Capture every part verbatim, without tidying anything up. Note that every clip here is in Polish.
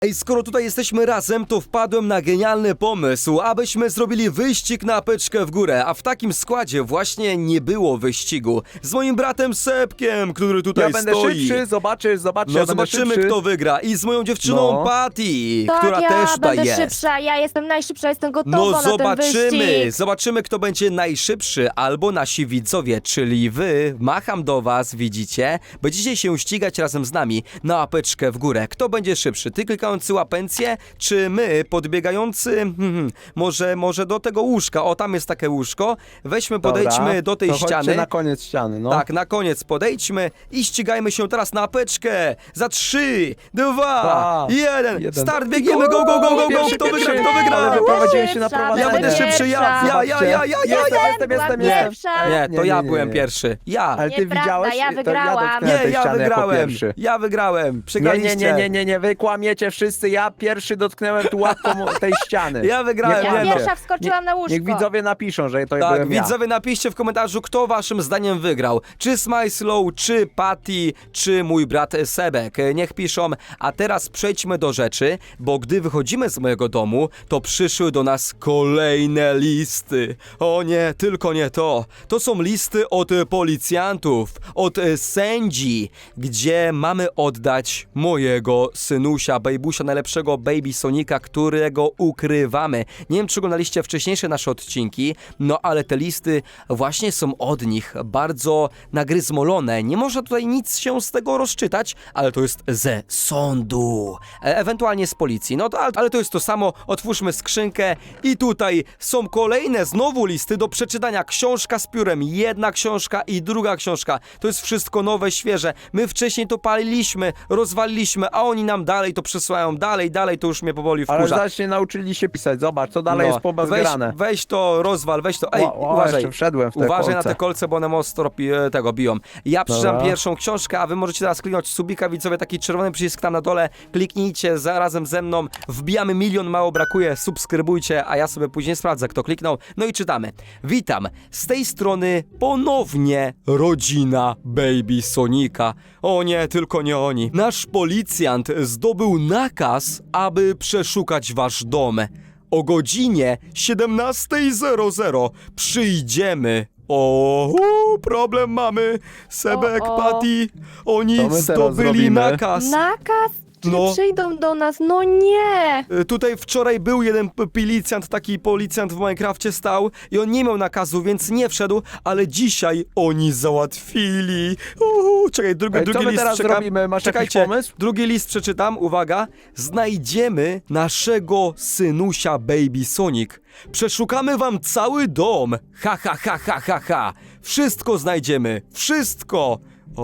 Ej, skoro tutaj jesteśmy razem, to wpadłem na genialny pomysł, abyśmy zrobili wyścig na apeczkę w górę, a w takim składzie właśnie nie było wyścigu. Z moim bratem Sepkiem, który tutaj Ja będę stoi. szybszy, zobaczysz, zobaczysz, No ja będę zobaczymy, szybszy. kto wygra. I z moją dziewczyną No. Patty, Tak, która ja też tutaj będę jest. szybsza, ja jestem najszybsza, jestem gotowa No na ten zobaczymy, wyścig. zobaczymy kto będzie najszybszy, albo nasi widzowie, czyli wy. Macham do was, widzicie? Będziecie się ścigać razem z nami na łapeczkę w górę. Kto będzie szybszy? Ty klikający łapencję, czy my podbiegający? Hmm, może, może do tego łóżka. O, tam jest takie łóżko. Weźmy, Dobra, podejdźmy do tej to chodźcie ściany. na koniec ściany, no. Tak, na koniec podejdźmy i ścigajmy się teraz na apeczkę. Za trzy, dwa, Dwa, jeden. jeden. Start, biegniemy, go, go, go, go, go. Pierwszy, Kto wygra, pierwszy. kto wygra? Ale wyprowadziłem się na Pierwsza, prowadzenie. Ja będę Będę szybszy, ja, ja, ja, ja, ja, ja, ja. Jestem, jestem, Byłam jestem, jestem. pierwsza. Nie, to Nie, ja nie, nie, byłem nie. pierwszy. Ja. Ale ty Nieprawda, widziałeś? ja To wygrałam. dotknęłem Nie, tej ja ściany jako wygrałem. pierwszy. Ja wygrałem. Nie, nie, Przegraliście. nie, nie, nie, nie, wy kłamiecie wszyscy, ja pierwszy dotknąłem tu łapką tej ściany. Ja wygrałem, Nie nie Ja no. pierwsza wskoczyłam na łóżko. Niech widzowie napiszą, że to Tak, byłem ja. widzowie, napiszcie w komentarzu, kto waszym zdaniem wygrał. Czy Smyslow, czy Patty, czy mój brat Sebek. Niech piszą. A teraz przejdźmy do rzeczy, bo gdy wychodzimy z mojego domu, to przyszły do nas kolejne listy. O nie, tylko nie to. To są listy od e, policjantów, od e, sędzi, gdzie mamy oddać mojego synusia, bejbusia, najlepszego Baby Sonika, którego ukrywamy. Nie wiem, czy oglądaliście wcześniejsze nasze odcinki, no ale te listy właśnie są od nich bardzo nagryzmolone. Nie można tutaj nic się z tego rozczytać, ale to jest ze sądu, e ewentualnie z policji. No to, ale, ale to jest to samo. Otwórzmy skrzynkę i tutaj są kolejne znowu listy do przeczytania. Książka z piórem, jedna książka i druga książka. To jest wszystko nowe, świeże. My wcześniej to paliliśmy, rozwaliliśmy, a oni nam dalej to przesyłają, dalej, dalej, to już mnie powoli Ale wkurza. zaś nie nauczyli się pisać, zobacz, co dalej No, jest po weź, grane. weź to, rozwal, weź to. Ej, Ła- ła, uważaj. jeszcze wszedłem w te Uważaj na kolce. te kolce, bo one mocno pi- e, tego biją. Ja przeczytam Dobra. pierwszą książkę, a wy możecie teraz kliknąć subika, widzowie, taki czerwony przycisk tam na dole. Kliknijcie za, razem ze mną. Wbijamy milion, mało brakuje. Subskrybujcie, a ja sobie później sprawdzę, kto kliknął. No i czytamy. Witam. Z tej strony ponownie rodzina Baby Sonika. O nie, tylko nie oni. Nasz policjant zdobył nakaz, aby przeszukać wasz dom. O godzinie siedemnastej zero zero przyjdziemy. O, u, problem mamy. Sebek, O, o. Patty, oni Co my teraz zdobyli zrobimy? nakaz. Nakaz? Czy No. przyjdą do nas? No nie! Y, Tutaj wczoraj był jeden p- policjant, taki policjant w Minecrafcie stał i on nie miał nakazu, więc nie wszedł, ale dzisiaj oni załatwili. Uhu, czekaj, drugi, Ej, co drugi my list teraz czekam. zrobimy? Masz jakiś Czekajcie, pomysł? drugi list przeczytam, uwaga. Znajdziemy naszego synusia Baby Sonic. Przeszukamy wam cały dom. Ha, ha, ha, ha, ha, ha. Wszystko znajdziemy. Wszystko.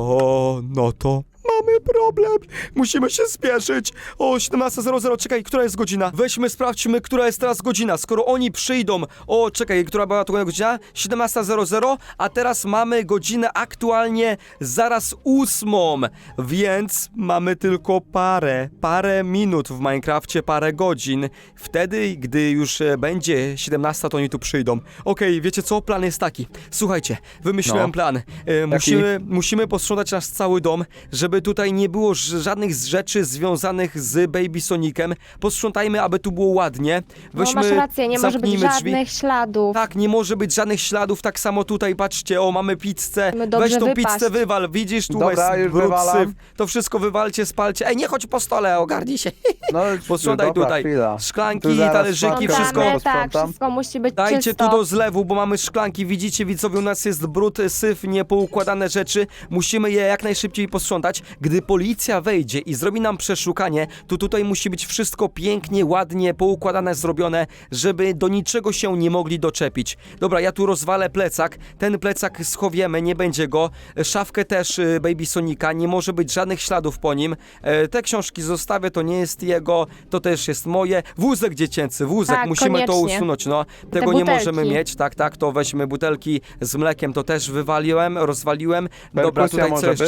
O, no to mamy problem. Musimy się spieszyć. O, siedemnasta zero zero, czekaj, która jest godzina? Weźmy, sprawdźmy, która jest teraz godzina. Skoro oni przyjdą, o, czekaj, która była to godzina? siedemnasta zero zero, a teraz mamy godzinę aktualnie zaraz ósmą, więc mamy tylko parę, parę minut w Minecrafcie, parę godzin. Wtedy, gdy już e, będzie siedemnasta, to oni tu przyjdą. Okej, wiecie co? Plan jest taki. Słuchajcie, wymyśliłem No. plan. E, musimy, musimy posprzątać nasz cały dom, żeby tutaj nie było ż- żadnych z rzeczy związanych z Baby Sonicem. Posprzątajmy, aby tu było ładnie. No Weźmy, masz rację, nie może być zamknijmy drzwi. żadnych śladów. Tak, nie może być żadnych śladów, tak samo tutaj, patrzcie, o, mamy pizzę. Musimy dobrze Weź tą wypaść. pizzę, wywal, widzisz, tu Dobra, jest już brud, wywalam. syf. To wszystko wywalcie, spalcie. Ej, nie chodź po stole, ogarnij się. No, Posprzątaj dobra, tutaj. chwila. Szklanki, Tu zaraz talerzyki, szklankę wszystko. Sprzątamy, tak, posprzątam. wszystko musi być Dajcie czysto. tu do zlewu, bo mamy szklanki, widzicie widzowie, u nas jest brud, syf, niepoukładane rzeczy. Musimy je jak najszybciej posprzątać. Gdy policja wejdzie i zrobi nam przeszukanie, to tutaj musi być wszystko pięknie, ładnie, poukładane, zrobione, żeby do niczego się nie mogli doczepić. Dobra, ja tu rozwalę plecak, ten plecak schowiemy, nie będzie go. Szafkę też y, Baby Sonika, nie może być żadnych śladów po nim. E, te książki zostawię, to nie jest jego, to też jest moje. Wózek dziecięcy, wózek, Tak, musimy to koniecznie. usunąć, no. Tego nie butelki. możemy mieć, tak, tak, to weźmy butelki z mlekiem, to też wywaliłem, rozwaliłem. Dobra, Perkusja tutaj co może jeszcze? być.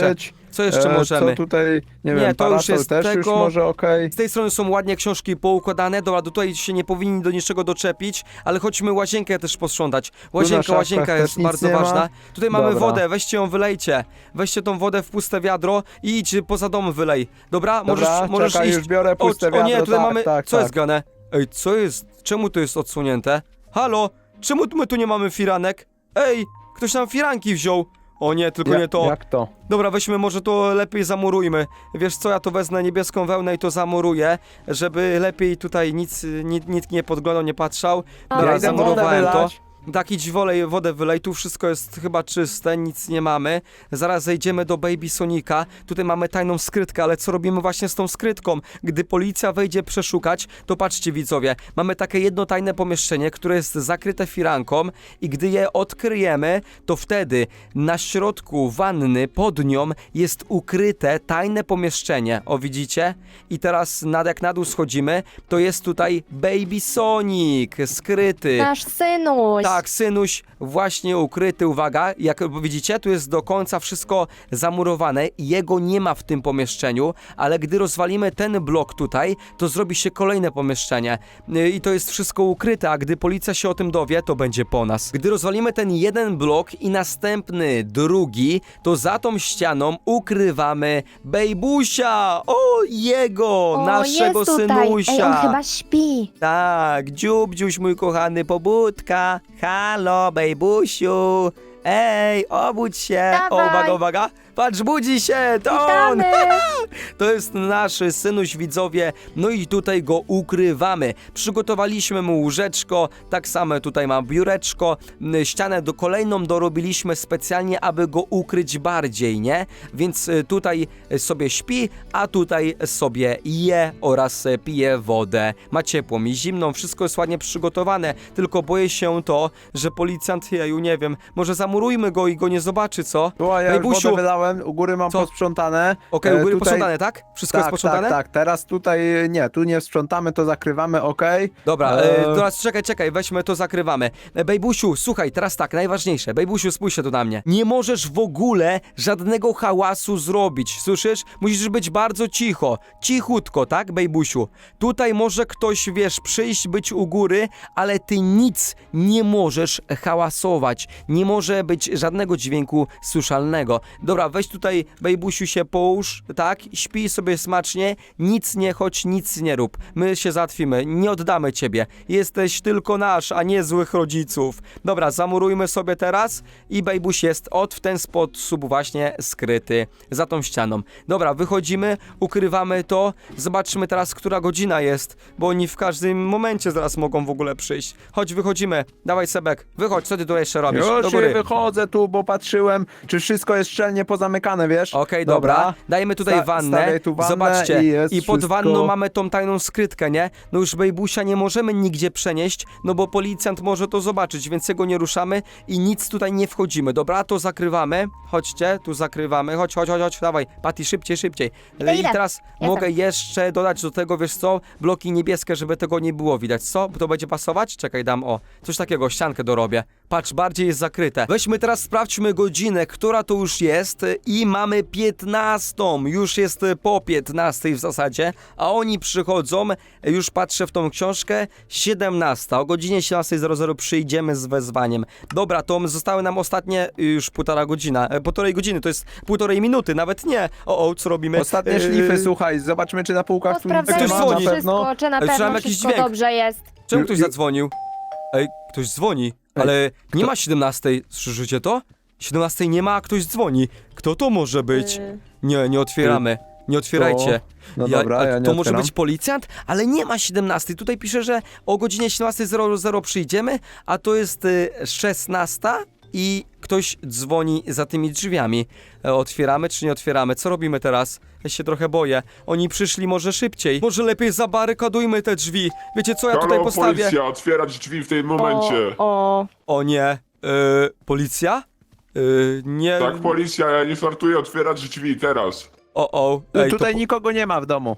Co jeszcze E, możemy? Co tutaj, nie, Nie, wiem, to już parasol jest też już tego- może okej. Z tej strony są ładnie książki poukładane, dobra, do tutaj się nie powinni do niczego doczepić, ale chodźmy łazienkę też posprzątać. Łazienka, szafkach łazienka też jest nic bardzo nie ma. ważna. Tutaj mamy Dobra. wodę, weźcie ją, wylejcie. Weźcie tą wodę w puste wiadro i idź poza dom wylej. Dobra, Dobra, możesz, możesz czekaj, iść. już biorę puste o, o wiadro, nie, tutaj tak, mamy, tak, co tak. jest grane? Ej, co jest, czemu to jest odsunięte? Halo, czemu my tu nie mamy firanek? Ej, ktoś nam firanki wziął. O nie, tylko Ja- nie to. Jak to? Dobra, weźmy może to lepiej zamurujmy. Wiesz co, ja to wezmę niebieską wełnę i to zamuruję, żeby lepiej tutaj nic, nic, nikt nie podglądał, nie patrzał. Dobra, Ja idę wodę zamurowałem to. wylać. Tak, idź wolej, wodę wylej, tu wszystko jest chyba czyste, nic nie mamy. Zaraz zejdziemy do Baby Sonika, tutaj mamy tajną skrytkę, ale co robimy właśnie z tą skrytką? Gdy policja wejdzie przeszukać, to patrzcie widzowie, mamy takie jedno tajne pomieszczenie, które jest zakryte firanką i gdy je odkryjemy, to wtedy na środku wanny, pod nią jest ukryte tajne pomieszczenie, o widzicie? I teraz nad, jak na dół schodzimy, to jest tutaj Baby Sonic, skryty. Nasz synuś. Tak, synuś właśnie ukryty, uwaga, jak widzicie, tu jest do końca wszystko zamurowane i jego nie ma w tym pomieszczeniu, ale gdy rozwalimy ten blok tutaj, to zrobi się kolejne pomieszczenie Yy, i to jest wszystko ukryte, a gdy policja się o tym dowie, to będzie po nas. Gdy rozwalimy ten jeden blok i następny, drugi, to za tą ścianą ukrywamy Bejbusia, o jego, O, naszego jest tutaj. synusia. Ej, on chyba śpi. Tak, dziubdziuś mój kochany pobudka. Halo, bejbusiu. Ej, obudź się. O, Dawaj. uwaga, uwaga. Patrz, budzi się, to on. Witamy. To jest nasz synuś, widzowie. No i tutaj go ukrywamy. Przygotowaliśmy mu łóżeczko, tak samo tutaj ma biureczko. m, Ścianę do kolejną dorobiliśmy specjalnie, aby go ukryć bardziej, nie? Więc y, tutaj sobie śpi, a tutaj sobie je oraz y, pije wodę. Ma ciepłą i zimną, wszystko jest ładnie przygotowane. Tylko boję się to, że policjant, jeju, nie wiem, może zamurujmy go i go nie zobaczy, co? Tu, a ja już Bejbusiu, wodę wylałem, u góry mam Co? posprzątane. Okej, E, u góry tutaj- posprzątane, tak? Wszystko tak, jest posprzątane? Tak, tak, teraz tutaj nie, tu nie sprzątamy, to zakrywamy, okej. Dobra, Eee. e, teraz czekaj, czekaj, weźmy to, zakrywamy. E, Bejbusiu, słuchaj, teraz tak, najważniejsze. Bejbusiu, spójrz się tu na mnie. Nie możesz w ogóle żadnego hałasu zrobić, słyszysz? Musisz być bardzo cicho, cichutko, tak, Bejbusiu? Tutaj może ktoś, wiesz, przyjść, być u góry, ale ty nic nie możesz hałasować. Nie może być żadnego dźwięku słyszalnego. Dobra, weź tutaj, Bejbusiu, się połóż, tak? Śpij sobie smacznie, nic nie chodź, nic nie rób. My się załatwimy, nie oddamy ciebie. Jesteś tylko nasz, a nie złych rodziców. Dobra, zamurujmy sobie teraz i Bejbuś jest od w ten sposób właśnie skryty za tą ścianą. Dobra, wychodzimy, ukrywamy to, zobaczymy teraz, która godzina jest, bo oni w każdym momencie zaraz mogą w ogóle przyjść. Chodź, wychodzimy. Dawaj, Sebek, wychodź, co ty tu jeszcze robisz? Do Już góry. wychodzę tu, bo patrzyłem, czy wszystko jest szczelnie pozamykane, wiesz? Okej, dobra. Dajmy tutaj Sta- wannę. stawiaj tu wannę Zobaczcie. i jest I pod wszystko- wanną mamy tą tajną skrytkę, nie? No już Bejbusia nie możemy nigdzie przenieść, no bo policjant może to zobaczyć, więc jego nie ruszamy i nic tutaj nie wchodzimy. Dobra, to zakrywamy. Chodźcie, tu zakrywamy. Chodź, chodź, chodź, chodź. Dawaj, Patty, szybciej, szybciej. Idę, I idę. teraz Jestem. mogę jeszcze dodać do tego, wiesz co? Bloki niebieskie, żeby tego nie było widać. Co? To będzie pasować? Czekaj, dam o. Coś takiego, ściankę dorobię. Patrz, bardziej jest zakryte. Weźmy teraz, sprawdźmy godzinę, która to już jest i mamy piętnastą. Już jest po piętnastej w zasadzie, a oni przychodzą, już patrzę w tą książkę, siedemnasta. O godzinie siedemnastej zero zero przyjdziemy z wezwaniem. Dobra, to zostały nam ostatnie już półtora godzina, e, półtorej godziny, to jest półtorej minuty, nawet nie. O, o, co robimy? Ostatnie E, szlify, słuchaj, zobaczymy, czy na półkach tu nic nie Ktoś Posprawdzajmy ma, dzwoni. na pewno. wszystko, czy na Ej, słyszałem pewno jakiś wszystko dźwięk. dobrze jest. Czemu Ju- ktoś ju- zadzwonił? Ej, ktoś dzwoni, Ej, ale nie kto- ma siedemnastej, słyszycie to? siedemnastej nie ma, a ktoś dzwoni. Kto to może być? Y, Nie, nie otwieramy. Nie otwierajcie. No dobra, a ja nie to może otwieram. być policjant? Ale nie ma siedemnastej. Tutaj pisze, że o godzinie siedemnastej zero zero przyjdziemy, a to jest y, szesnasta i ktoś dzwoni za tymi drzwiami. E, otwieramy czy nie otwieramy? Co robimy teraz? Ja się trochę boję. Oni przyszli może szybciej. Może lepiej zabarykadujmy te drzwi. Wiecie co, ja tutaj Halo, postawię... policja, otwierać drzwi w tym momencie. O, o. O nie. E, policja? E, nie. Tak, policja, ja nie startuję otwierać drzwi teraz. O, o. Tu- Ej, Tutaj to, nikogo nie ma w domu.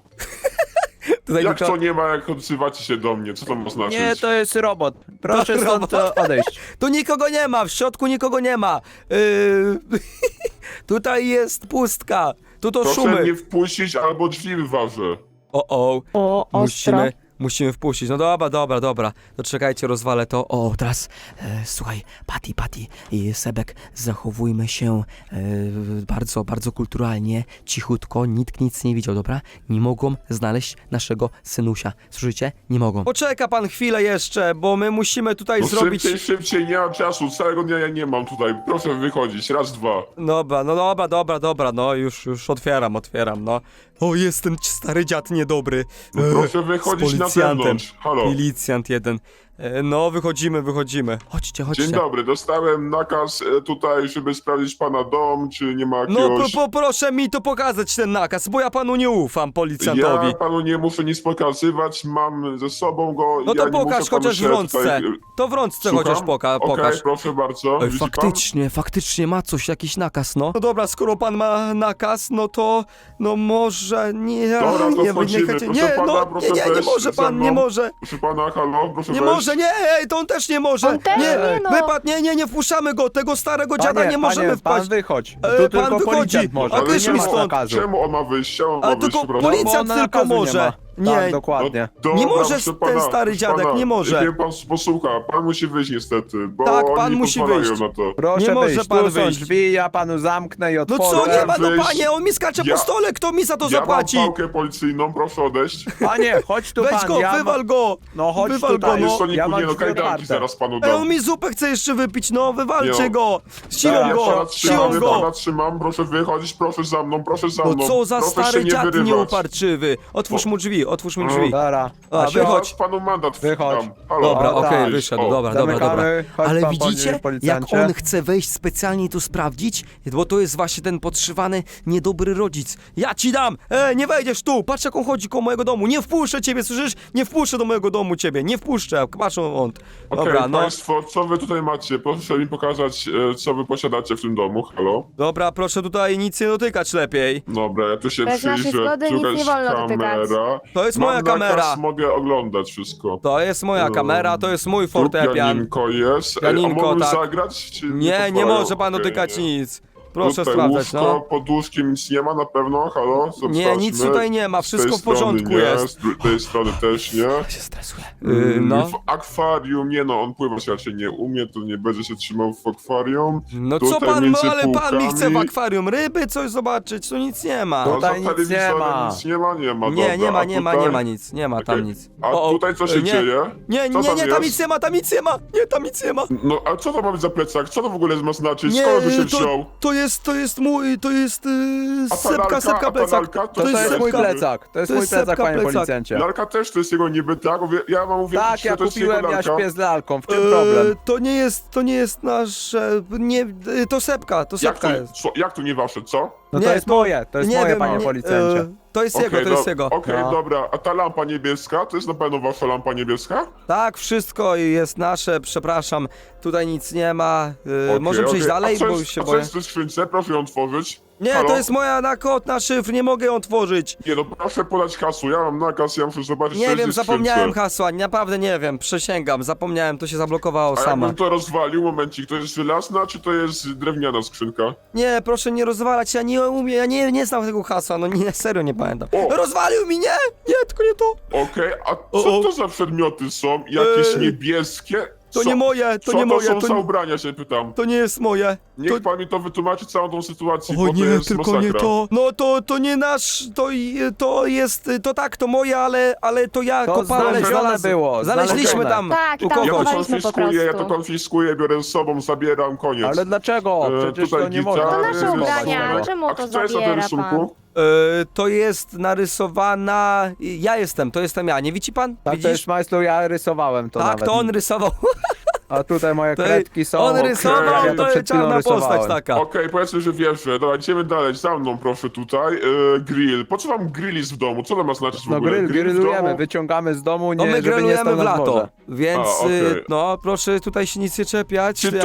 tutaj Jak tylko- to nie ma, jak odzywacie się do mnie? Co to ma znaczyć? Nie, to jest robot. Proszę To stąd robot. odejść. Tu nikogo nie ma, w środku nikogo nie ma. Yy... Tutaj jest pustka. Tu to Proszę szumy. mnie wpuścić albo drzwi wyważę. O, o. O, ostro. Musimy, musimy wpuścić. No dobra, dobra, dobra. To czekajcie, rozwalę to. O, teraz, e, słuchaj, Patty, Patty i Sebek, zachowujmy się e, bardzo, bardzo kulturalnie, cichutko, nikt nic nie widział, dobra? Nie mogą znaleźć naszego synusia. Słyszycie? Nie mogą. Poczeka pan chwilę jeszcze, bo my musimy tutaj No zrobić... szybciej, szybciej, nie mam czasu, całego dnia ja nie mam tutaj. Proszę wychodzić, raz, dwa. Dobra, no dobra, dobra, dobra, no już, już otwieram, otwieram, no. O, jest ten stary dziad niedobry. No E, proszę wychodzić z na policjantem. zewnątrz. Halo. Milicjant jeden. E, No, wychodzimy, wychodzimy. Chodźcie, chodźcie. Dzień dobry, dostałem nakaz e, tutaj, żeby sprawdzić pana dom, czy nie ma No, jakiegoś... po, po, proszę mi to pokazać ten nakaz, bo ja panu nie ufam, policjantowi. Ja panu nie muszę nic pokazywać, mam ze sobą go. No ja to nie pokaż muszę panu chociaż w się rączce. Tutaj... To w rączce Słucham? chociaż poka Okej, pokaż. proszę bardzo. Oj, Widzi faktycznie, faktycznie ma coś, jakiś nakaz, no. No dobra, skoro pan ma nakaz, no to, no może, nie, Dobra, to nie, wchodzimy. nie, Proszę nie, pana, no, proszę nie, nie, nie wejść może ze pan, mną. nie może. pan? Proszę pana, halo, proszę Nie wejść. może, nie, ej, to on też nie może. On też nie, no. Wypad, nie, nie, nie wpuszczamy go, tego starego dziada Panie, nie możemy panie, wpaść. pan wychodź. E, Tu pan tylko wychodzi. policjant może. A tu wyjdź nie mi ma stąd. zakazu. Czemu on ma wyjść? Czemu on ma A wyjść, tylko przepraszam? policjant Bo on tylko nakazu może. Nie, ma. Nie. Tak, dokładnie. Dobra, Nie może proszę ten stary proszę dziadek, pana, nie może. Niech pan posłucha, pan musi wyjść niestety, bo Tak, oni pan nie musi pozwalają wyjść. na to. Proszę Nie może wyjść, pan tu są wyjść. drzwi, ja panu zamknę i No otworzę. co, nie ma, no wyjść. panie, on mi skacze Ja- po stole, kto mi za to Ja zapłaci? mam pałkę policyjną, proszę odejść. Panie, chodź tu Weź pan, go, ja wywal go. No chodź Wywal tutaj. go, no. Już to nie Ja mam nie no, drzwi kajdanki otwarte. zaraz panu Ej, on dam. mi zupę chce jeszcze wypić, no wywalcie Nie. go. Siłą Dobra, Ja go, pana trzymam, siłą ja go. pana trzymam, proszę wychodzić, proszę za mną, proszę za mną. No co za proszę stary się nie dziad wyrywać. nieuparczywy. Otwórz mu drzwi, otwórz mu drzwi. Dobra. A, się- wychodź. Ja panu mandat Wychodź. wydam. Halo, Dobra, O, okej, tak. wyszedł, O, dobra, dobra, dobra. zamykamy. Chodź Ale pan, widzicie, panie jak policjancie. on chce wejść specjalnie tu sprawdzić? Bo to jest właśnie ten podszywany, niedobry rodzic. Ja ci dam! E, nie wejdziesz tu! Patrz jak on chodzi koło mojego domu. Nie wpuszczę ciebie, słyszysz? Nie wpuszczę do mojego domu ciebie, nie wpuszczę. Patrz on. Okej, Dobra, no. państwo, co wy tutaj macie? Proszę mi pokazać, e, co wy posiadacie w tym domu, halo? Dobra, proszę tutaj nic nie dotykać lepiej. Dobra, ja tu się Bez naszej przyjrzę, zgody tu nic jakaś nie wolno dotykać. kamera. To jest Mam moja nakaz, kamera. mogę oglądać wszystko. To jest moja Um, kamera, to jest mój Tu fortepian. pianinko jest. Ej, Pianinko, a mogę tak. zagrać? Czy Nie, nie pozwalają? może pan Okej, dotykać nie. nic. Proszę Tutaj sprawdzać, łóżko, no. pod łóżkiem nic nie ma na pewno, halo? Nie, Sprawdźmy. nic tutaj nie ma, Z wszystko tej w porządku strony nie, jest. Z tej strony też nie. Ja się stresuję. Yy, no. W akwarium, nie no, on pływać raczej nie umie, to nie będzie się trzymał w akwarium. No co Tutaj pan, między ale pan mi chce w półkami. akwarium ryby coś zobaczyć, tu nic nie ma. No, Tutaj za nic nie telewizorem ma. nic nie ma, nie ma, Nie, dobra. nie ma, a nie ma, tutaj- nie ma nic, nie ma tam Okej. nic. A O, o, tutaj co się nie. dzieje? Nie, Co nie, tam nie, tam jest? nic nie ma, tam nic nie ma, nie, tam nic nie ma. No, a co to ma być za plecak? Co to w ogóle ma znaczyć? Nie, Skąd by się to, wziął? to jest, to jest mój, to jest yy, A ta sepka, lalka, sepka a ta plecak. lalka, to To, to jest jest mój sepka. plecak, to jest To mój jest plecak, sepka panie plecak. policjancie. Lalka też to jest jego niby, tak? Mówię- Ja mam mówię, Tak, że ja to jest jego kupiłem, ja lalka. śpię z lalką, w czym Yy, problem? To nie jest, to nie jest nasze, nie, yy, to sepka, to Jak to, sepka jest. co, jak to nie wasze, co? No nie, to jest to- moje, to jest nie moje, wiem, panie nie, policjancie. yy, To jest jego, to jest do- jego. Okej, No. dobra. A ta lampa niebieska, to jest na pewno wasza lampa niebieska? Tak, wszystko jest nasze, przepraszam, tutaj nic nie ma. Yy, Okej, może przejść okej. dalej, a co bo jest, już się a co boję. jest w tej skrzynce? Proszę ją otworzyć. Nie, Halo? to jest moja na kod, na szyfr, nie mogę ją otworzyć. Nie no, proszę podać hasło, ja mam nakaz, ja muszę zobaczyć, co Nie jest wiem, w skrzynce. zapomniałem hasła, naprawdę nie wiem, przysięgam, zapomniałem, to się zablokowało A sama. jakbym to rozwalił, momencik, to jest żelazna, czy to jest drewniana skrzynka? Nie, proszę nie rozwalać, ja nie umiem, ja nie, nie znam tego hasła, no nie, serio nie pamiętam. O! Rozwalił mi, nie, nie, tylko nie to. Okej, a O, co o. to za przedmioty są? Jakieś Eee, niebieskie? To Co- nie moje, to co nie to moje, są to za nie, ubrania, się pytam. to nie jest moje. Niech To... pan mi to wytłumaczy, całą tą sytuację, O bo to nie, jest tylko masakra. nie to. No to, to nie nasz, to, i- to jest, to tak, to moje, ale, ale to ja To kopałem, znalezione znalazł- było, Znaleźliśmy znalezione. tam Tak, u tam kogoś. Ja to chowaliśmy po konfiskuję, ja to prostu. konfiskuję, biorę z sobą, zabieram, koniec. Ale dlaczego? E, Przecież tutaj to nie gitara, można. To e, nasze z- ubrania, z- czemu A to co jest na tym zabiera rysunku? pan? E, to jest narysowana, ja jestem, to jestem ja, nie widzi pan? Tak, to Widzisz? jest Majstlu, ja rysowałem to Tak, nawet. to on rysował. A tutaj moje To kredki są. on okej, rysował, ja to przed jest chwilą czarna postać rysowałem. taka. Okej, powiedzmy, że wierzę. Dobra, idziemy dalej, za mną proszę tutaj. E, grill. Po co wam grill jest w domu? Co to ma znaczyć w No ogóle? grill, w grillujemy, domu? wyciągamy z domu, No nie, my żeby nie grillujemy stał w nad lato, morze. więc A, okej. y, no proszę tutaj się nic nie czepiać. Czy Ja- to...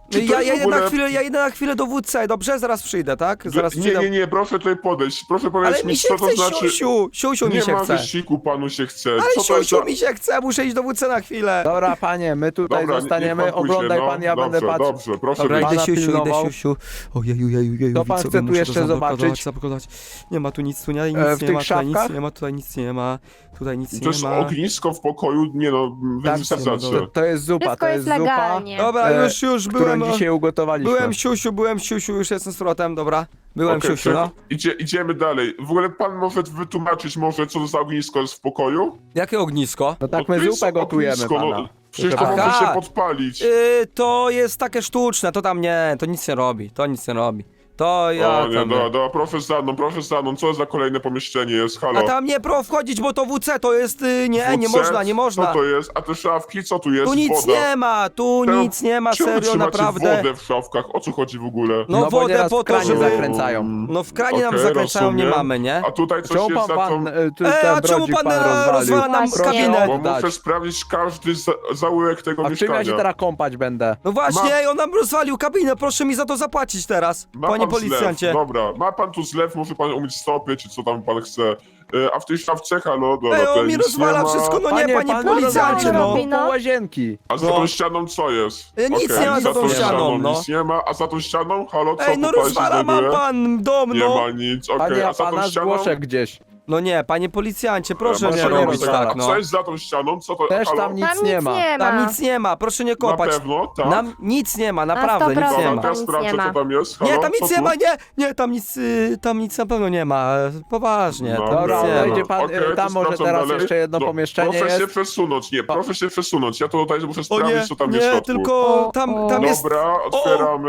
Czy to Ja, jest ja, w idę ogóle... na chwilę, ja idę na chwilę do W C, dobrze? Zaraz przyjdę, tak? Zaraz Nie, przyjdę. nie, nie, proszę tutaj podejść. Proszę Ale powiedzieć mi mi, się co to chce, znaczy... siusiu, siusiu mi Nie się ma chce. wysiłku, panu się chce. Ale Co to jest siusiu za... mi się chce, muszę iść do W C na chwilę. Dobra, panie, my tutaj Dobra, nie- zostaniemy, niech pan pójdzie, oglądaj no. pan, ja dobrze, będę patrzył. Dobrze, proszę Dobra, wyjść. idę Pana siusiu, idę pilnował. siusiu. Ojeju, jeju, jeju, Co pan widzowie, chce tu muszę jeszcze to zablokować, zobaczyć? zablokować. Nie ma tu nic, tu nie, nic E, w nie tych ma, tutaj nic szafkach? nie ma, tutaj nic nie ma, tutaj nic To nie jest ma. ognisko w pokoju, nie no, wy Tak, wysadzacie. to, to jest zupa, Wszystko to jest jest zupa, legalnie. Dobra, e, już, już którą byłem, dzisiaj ugotowaliśmy. byłem siusiu, byłem siusiu, już jestem z powrotem, dobra. Byłem Okej, siusiu, czy- no. Idzie, idziemy dalej. W ogóle pan może wytłumaczyć może, co to za ognisko jest w pokoju? Jakie ognisko? No tak No my to jest zupę gotujemy ognisko, pana. No, przecież to Proszę może pana. się podpalić. Yy, to jest takie sztuczne, to tam nie, to nic nie robi, to nic nie robi. To ja o nie, tam dobra, nie. dobra, proszę za mną, proszę za mną. Co za kolejne pomieszczenie jest? Halo? A tam nie pro wchodzić, bo to W C, to jest, yy, nie, nie W C? można, nie można. Co to jest? A te szafki, co tu jest? Tu nic Woda. nie ma, tu Czemu- nic nie ma, Czemu serio, trzymacie naprawdę. wodę w szafkach? O co chodzi w ogóle? No, No bo wodę nieraz po w to, kranie żeby... zakręcają. No w kranie nam Okej, zakręcają, nie rozumiem. mamy, nie? A tutaj coś Czemu jest pan, za tą... pan e, tu, Ej, ten a czemu brodzik pan, pan e, rozwalił? rozwala nam Właśnie. kabinę? Bo Dać. muszę sprawdzić każdy za zaułek tego A w czym mieszkania. ja się teraz kąpać będę? No właśnie, Ma- ej, on nam rozwalił kabinę, proszę mi za to zapłacić teraz, Ma panie pan policjancie. Zlew. Dobra, ma pan tu zlew, może pan umyć stopy, czy co tam pan chce. E, A w tej szafce, halo, dobra, Ej, tutaj on mi nic rozwala nie ma. wszystko, no nie, panie pan policjancie, no. no. robi no. po łazienki. A za No. tą ścianą co jest? E, nic Okej, nie ma za tą ścianą, no. Nic nie ma, a za tą ścianą, halo, co Ej, no tutaj rozwala się mam znajduje? pan dom, Nie no. ma nic, okej, Panie, a a za tą pana ścianą... zgłoszę gdzieś. No nie, panie policjancie, proszę Masz nie proszę nie robić rozwalać. tak, A no. co jest za tą ścianą? Co to, Też halo? tam nic Tam nie nic ma. nie ma. Tam nic nie ma, proszę nie Na kopać. pewno, tak? Nam nic nie ma, naprawdę nic procent. nie Dobra, ma. teraz Nic sprawdzę, nie ma. co tam jest. Halo, Nie, tam co nic nie tu? ma, nie, nie, tam nic, y, tam nic na pewno nie ma, poważnie, No, tam Dobra, nic nie wejdzie ma. pan, Okej, e, tam to może sprawdzam teraz dalej. jeszcze jedno No, pomieszczenie Proszę się jest. przesunąć, nie, proszę się przesunąć, ja to tutaj muszę O sprawdzić, nie, co tam jest w nie, środku. tylko O, tam, o. tam jest... Dobra, otwieramy.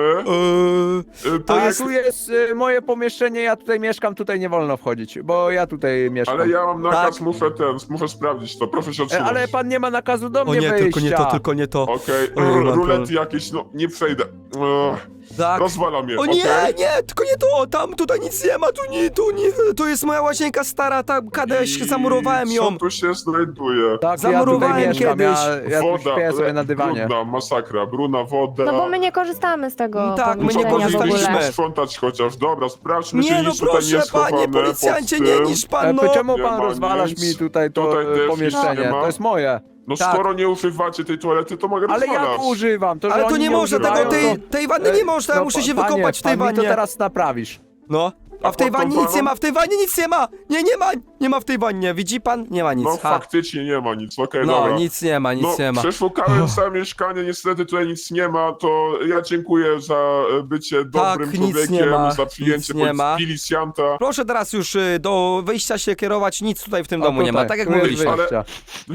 Yy, Y, to A jest... tu jest y, moje pomieszczenie, ja tutaj mieszkam, tutaj nie wolno wchodzić, bo ja tutaj mieszkam. Ale ja mam nakaz, Tak. muszę ten, muszę sprawdzić to, proszę się E, odsunąć. Ale pan nie ma nakazu do O mnie nie, wyjścia. tylko nie to, tylko nie to. Okej, Ojej, r- mam rulety problem. jakieś, no nie przejdę. Ech, Tak. rozwala mnie, O nie, okej? nie, tylko nie to, tam, tutaj nic nie ma, tu nie, tu nie, tu jest moja łazienka stara, tam kiedyś I zamurowałem ją. Co tu się znajduje? Tak, Zamurowałem ja tutaj mieszkam, kiedyś. ja, ja tu śpię sobie na dywanie. brudna, masakra, bruna woda. No bo my nie korzystamy z tego Mm, tak, my nie pomieszczenia w korzystaliśmy. ogóle. sprzątać chociaż, dobra, sprawdźmy, czy Nie, no nic tutaj proszę, nie schowane panie pod policjancie, nie tym. niż E, pan, no. to czemu Nie pan ma rozwalasz nic. mi tutaj to Tutaj e, też nic pomieszczenie? nie ma. To jest moje. No Tak. skoro nie używacie tej toalety, to mogę Ale ja rozwalać. to używam, to że Ale to oni nie można tego, używają, tej, to- tej wanny nie można, ja No, muszę się panie, wykąpać w tej pan mi to wannie. teraz naprawisz. No, a w tej pod tą wannie nic wanną? nie ma, w tej wannie nic nie ma. Nie, nie ma, nie ma w tej wannie, widzi pan? Nie ma nic, No ha. faktycznie nie ma nic, okej, No, dobra. nic nie ma, nic no, nie ma. przeszukałem całe mieszkanie, niestety tutaj nic nie ma, to ja dziękuję za e, bycie dobrym Tak, nic człowiekiem, nie ma, za przyjęcie nic nie polic- ma. milicjanta. Proszę teraz już y, do wyjścia się kierować, nic tutaj w tym O, domu nie ma, tutaj, tak jak tu jest mówiliśmy. Ale- wyjście.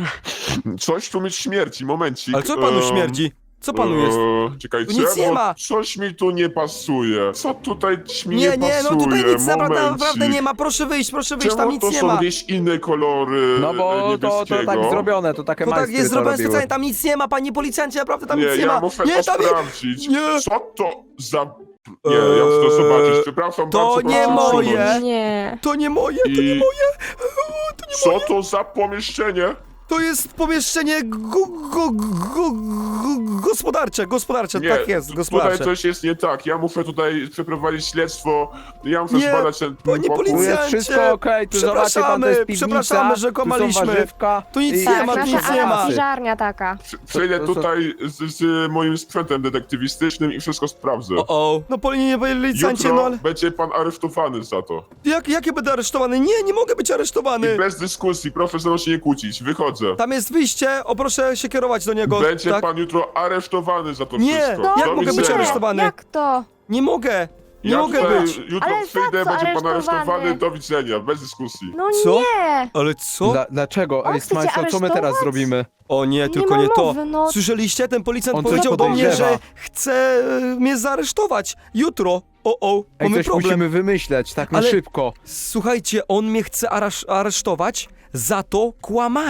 Coś tu mi śmierci, momencik. Ale co panu Em, śmierdzi? Co panu jest? Eee, czekajcie, Tu nic nie bo ma. coś mi tu nie pasuje. Co tutaj mi nie, Nie, nie, no pasuje? tutaj nic naprawdę, Momencik. naprawdę nie ma, proszę wyjść, proszę wyjść, tam Czemu nic to nie są ma. jakieś inne kolory No bo to, to niebieskiego? tak zrobione, to takie To tak majstry jest to zrobione robiły. specjalnie, tam nic nie ma, panie policjancie, naprawdę tam Nie, nic nie ja ma. muszę Nie, to tam sprawdzić. nie. Co to za... Nie, ja muszę to zobaczyć. Przepraszam to bardzo, nie proszę moje. usunąć. Nie. To nie moje, to nie I- moje. O, to nie Co to za pomieszczenie? To jest pomieszczenie go, go, go, go, gospodarcze, gospodarcze, Nie, tak jest, tutaj gospodarcze. coś jest nie tak. Ja muszę tutaj przeprowadzić śledztwo. Ja muszę Nie, zbadać ten panie pokój. Tu jest policjancie, wszystko okej, tu zobaczy pan, to jest przepraszamy, piwnica, przepraszamy, że tu kłamaliśmy. są warzywka. Tu nic i- nie Tak, ma, tu nasza nic nie ma. piżarnia taka. Przy- Przejdę To- to- tutaj z, z moim sprzętem detektywistycznym i wszystko sprawdzę. O, o. No panie policjancie, Jutro no ale będzie pan aresztowany za to. jak, jak ja będę aresztowany? Nie, nie mogę być I aresztowany. bez dyskusji, proszę ze mną się nie kłócić. Wychodzę. Tam jest wyjście, o proszę się kierować do niego, Będzie tak? pan jutro aresztowany za to Nie, wszystko. jak Do mogę być widzenia. aresztowany? Jak to? Nie mogę, nie ja mogę tutaj być. Jutro Ale za przyjdę, co będzie pan aresztowany? aresztowany. Do widzenia, bez dyskusji. No Co? nie! Ale co? Dla, dlaczego? On Ej, chce cię Smajslo, co my teraz aresztować? zrobimy? O nie, Nie tylko ma nie to. mowy, no. Słyszeliście? Ten policjant On coś powiedział do mnie, podejrzewa. że chce e, mnie zaaresztować. Jutro. O, o, Ej, mamy coś problem. musimy wymyśleć, tak na Ale- szybko. Słuchajcie, on mnie chce arasz aresztować za to kłamanie.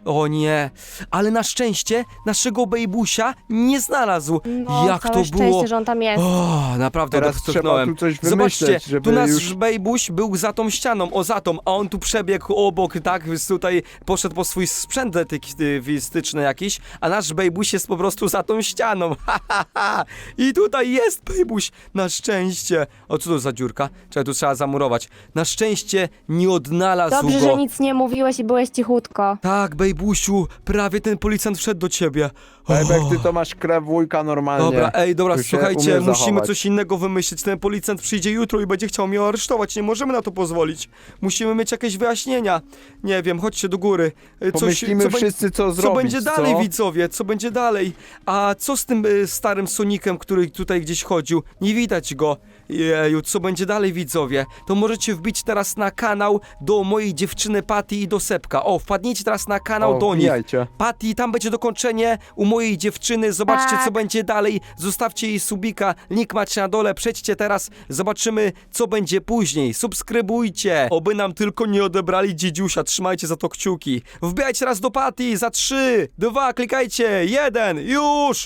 O nie, ale na szczęście naszego bejbusia nie znalazł. No, Jak całe to szczęście, było? że on tam jest. O, naprawdę Teraz to trzeba wstrzyknąłem. tu coś Zobaczcie, wymyśleć, żeby tu nasz już... bejbuś był za tą ścianą, o za tą, a on tu przebiegł obok, tak, więc tutaj poszedł po swój sprzęt detektywistyczny jakiś, a nasz bejbuś jest po prostu za tą ścianą. Ha, ha, ha. I tutaj jest bejbuś, na szczęście. O, co to za dziurka? Czekaj, tu trzeba zamurować. Na szczęście nie odnalazł Dobrze, go. że nic nie mówiłeś i byłeś cichutko. Tak, bejbusiu, prawie ten policjant wszedł do ciebie. Bebek, O. ty to masz krew wujka normalnie. Dobra, ej, dobra, Tu się słuchajcie, umiesz musimy zachować. coś innego wymyślić. Ten policjant przyjdzie jutro i będzie chciał mnie aresztować. Nie możemy na to pozwolić. Musimy mieć jakieś wyjaśnienia. Nie wiem, chodźcie do góry. E, Coś, Pomyślimy co bę- wszyscy, co Co zrobić, będzie dalej, co? widzowie? Co będzie dalej? A co z tym y, starym Sonikiem, który tutaj gdzieś chodził? Nie widać go. Jeju, co będzie dalej, widzowie? To możecie wbić teraz na kanał do mojej dziewczyny Patty i do Sepka. O, wpadnijcie teraz na kanał O, do nich. wbijajcie. Patty, tam będzie dokończenie u mojej dziewczyny. Zobaczcie, Tak. co będzie dalej. Zostawcie jej subika. Link macie na dole. Przejdźcie teraz. Zobaczymy, co będzie później. Subskrybujcie. Oby nam tylko nie odebrali dziedziusia. Trzymajcie za to kciuki. Wbijajcie teraz do Patty. Za trzy, dwa, klikajcie. Jeden, już!